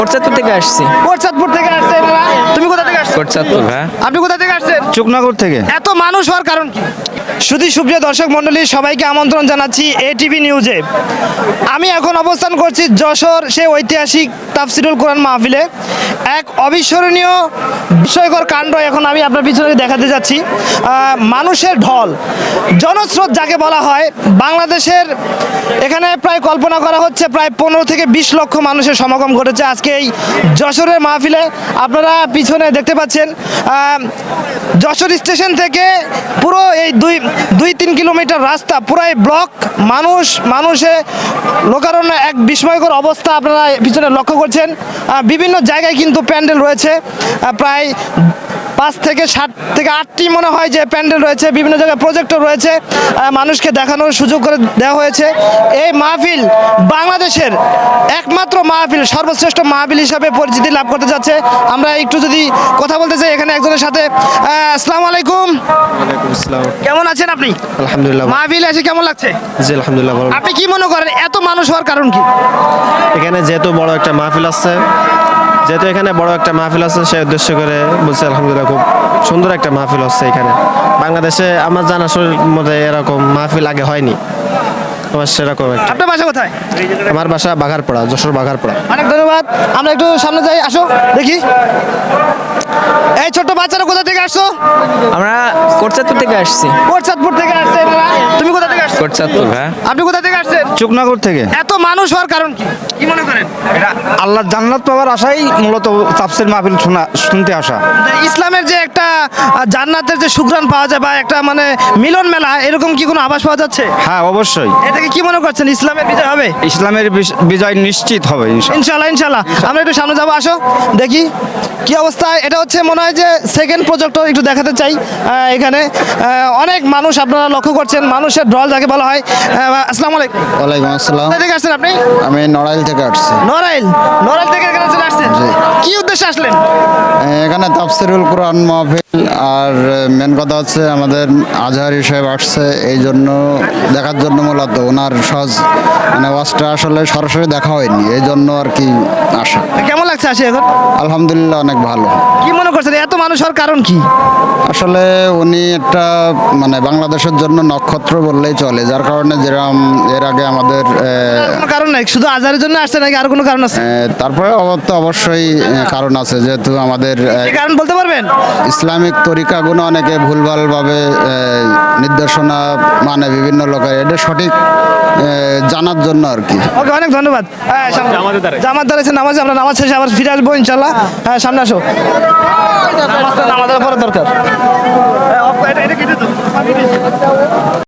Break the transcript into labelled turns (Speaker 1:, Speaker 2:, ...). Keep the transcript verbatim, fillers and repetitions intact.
Speaker 1: কোটচাঁদপুর থেকে আসছি।
Speaker 2: কোটচাঁদপুর থেকে আসছেন এরা? তুমি কোথা থেকে আসছো?
Speaker 1: কোটচাঁদপুর, হ্যাঁ।
Speaker 2: আপনি কোথা থেকে আসছেন?
Speaker 3: চুকনগর থেকে।
Speaker 2: এত মানুষ হওয়ার কারণ কি? শুধু সুপ্রিয় দর্শক মণ্ডলী, সবাইকে আমন্ত্রণ জানাচ্ছি এটিভি নিউজে। আমি এখন অবস্থান করছি যশোর সেই ঐতিহাসিক তাফসিরুল কোরআন মাহফিলে। এক অবিস্মরণীয় বিস্ময়কর কাণ্ড এখন আমি আপনার পিছনে দেখাতে যাচ্ছি। আহ, মানুষের ঢল, জনস্রোত যাকে বলা হয়। বাংলাদেশের এখানে প্রায় কল্পনা করা হচ্ছে প্রায় পনেরো থেকে বিশ লক্ষ মানুষের সমাগম ঘটেছে আজকে এই যশোরের মাহফিলে। আপনারা পিছনে দেখতে পাচ্ছেন আহ, যশোর স্টেশন থেকে পুরো এই দুই দুই তিন কিলোমিটার রাস্তা পুরাই ব্লক, মানুষ মানুষে লোকারণ্য, এক বিস্ময়কর অবস্থা আপনারা পিছনে লক্ষ্য করছেন। আহ, বিভিন্ন জায়গায় কিন্তু প্যান্ডেল রয়েছে, আহ, প্রায় পাঁচ থেকে ষাট থেকে আটটি মনে হয় যে প্যান্ডেল রয়েছে। বিভিন্ন জায়গায় প্রজেক্টর রয়েছে, আহ, মানুষকে দেখানোর সুযোগ করে দেওয়া হয়েছে। এই মাহফিল বাংলাদেশের একমাত্র মাহফিল, সর্বশ্রেষ্ঠ মাহফিল হিসাবে পরিচিতি লাভ করতে যাচ্ছে। আমরা একটু যদি কথা বলতে চাই এখানে একজনের সাথে। আহ, আসসালামু আলাইকুম, কেমন আছেন আপনি?
Speaker 3: আলহামদুলিল্লাহ।
Speaker 2: মাহফিল এসে কেমন লাগছে?
Speaker 3: জি আলহামদুলিল্লাহ ভালো।
Speaker 2: আপনি কি মনে করেন এত মানুষ হওয়ার কারণ কি?
Speaker 3: এখানে যেহেতু বড় একটা মাহফিল আছে, যেহেতু এখানে বড় একটা মাহফিল আছে সেই উদ্দেশ্য করে বলছি আলহামদুলিল্লাহ, খুব সুন্দর একটা মাহফিল হচ্ছে এখানে। বাংলাদেশে আমার জানার মধ্যে এরকম মাহফিল আগে হয়নি। আমার সেরকম একটা।
Speaker 2: আপনার বাসা কোথায়?
Speaker 3: আমার বাসা বাঘারপাড়া, যশোর বাঘারপাড়া।
Speaker 2: অনেক ধন্যবাদ। আমরা একটু সামনে যাই, আসো দেখি। এই ছোট্ট বাচ্চারা কোথা থেকে আসছো?
Speaker 1: আমরা কোটচাঁদপুর থেকে আসছি।
Speaker 2: কোটচাঁদপুর থেকে আসছেন এরা? তুমি কোথা থেকে আসছো?
Speaker 1: কোটচাঁদপুর, হ্যাঁ।
Speaker 2: আপনি কোথা থেকে আসছেন?
Speaker 3: চুকনগর থেকে।
Speaker 2: এত মানুষ হওয়ার কারণ কি? কি মনে করেন?
Speaker 3: আল্লাহ জান্নাত পাওয়ার আশাই মূলত তাফসীর মাহফিল শোনা শুনতে আসা।
Speaker 2: ইসলামের যে একটা আহ, জান্নাতের যে সুঘ্রাণ পাওয়া যায় বা একটা মানে মিলন মেলা, এরকম কি কোনো আভাস পাওয়া যাচ্ছে?
Speaker 3: হ্যাঁ অবশ্যই,
Speaker 2: এ থেকে কি মনে করছেন ইসলামের বিজয় হবে?
Speaker 3: ইসলামের বিশ- বিজয় নিশ্চিত হবে ইনশাআল্লাহ।
Speaker 2: ইনশাল্লাহ ইনশাল্লাহ। আমরা একটু সামনে যাবো, আসো দেখি কি অবস্থা। এটা হচ্ছে মনে হয় যে সেকেন্ড প্রজেক্টর, একটু দেখাতে চাই। আহ, এখানে আহ, অনেক মানুষ আপনারা লক্ষ্য করছেন, মানুষের ঢল যাকে বলা হয়। আহ, আসসালামু আলাইকুম,
Speaker 4: ওয়ালাইকুম আসসালাম।
Speaker 2: কোথা থেকে আসছেন আপনি?
Speaker 4: আমি নড়াইল থেকে আসছি।
Speaker 2: নড়াইল, নড়াইল থেকে এখানে চলে আসছেন?
Speaker 4: জি।
Speaker 2: কি উদ্দেশ্যে আসলেন?
Speaker 4: এখানে তাফসিরুল কোরআন মাহফিল, আর মেন কথা হচ্ছে আমাদের আজহারি সাহেব আসছে, এই জন্য দেখার জন্য মূলত ওনার সহজ মানে ওয়াজটা আসলে সরাসরি দেখা হয়নি, এই জন্য আর কি আসা।
Speaker 2: কেমন লাগছে আসে এখন?
Speaker 4: আলহামদুলিল্লাহ অনেক ভালো।
Speaker 2: কি মনে করছেন এত মানুষ হওয়ার কারণ কি?
Speaker 4: আসলে উনি একটা মানে বাংলাদেশের জন্য নক্ষত্র বললেই চলে, যার কারণে যেরকম এর আগে আমাদের আহ,
Speaker 2: কোনো কারণ নাই, শুধু আজারের জন্য আসছে নাকি আর কোনো কারণ আছে?
Speaker 4: আহ, তারপরে অব- তো অবশ্যই আহ, কারণ আছে, যেহেতু আমাদের আহ,
Speaker 2: এই কারণ বলতে পারবেন?
Speaker 4: ইসলামিক তরিকাগুলো অনেকে ভুলভালভাবে আহ, নির্দেশনা মানে বিভিন্ন লোকের, এটা সঠিক আহ, জানার জন্য আর কি।
Speaker 2: ওকে, অনেক ধন্যবাদ। হ্যাঁ, সামনে জামাত দাঁড়িয়েছে নামাজ, আমরা নামাজ শেষে আবার ফিরে আসবো ইনশাল্লাহ। হ্যাঁ, সামনে আসো। নামাজটা নামাজের পরে দরকার।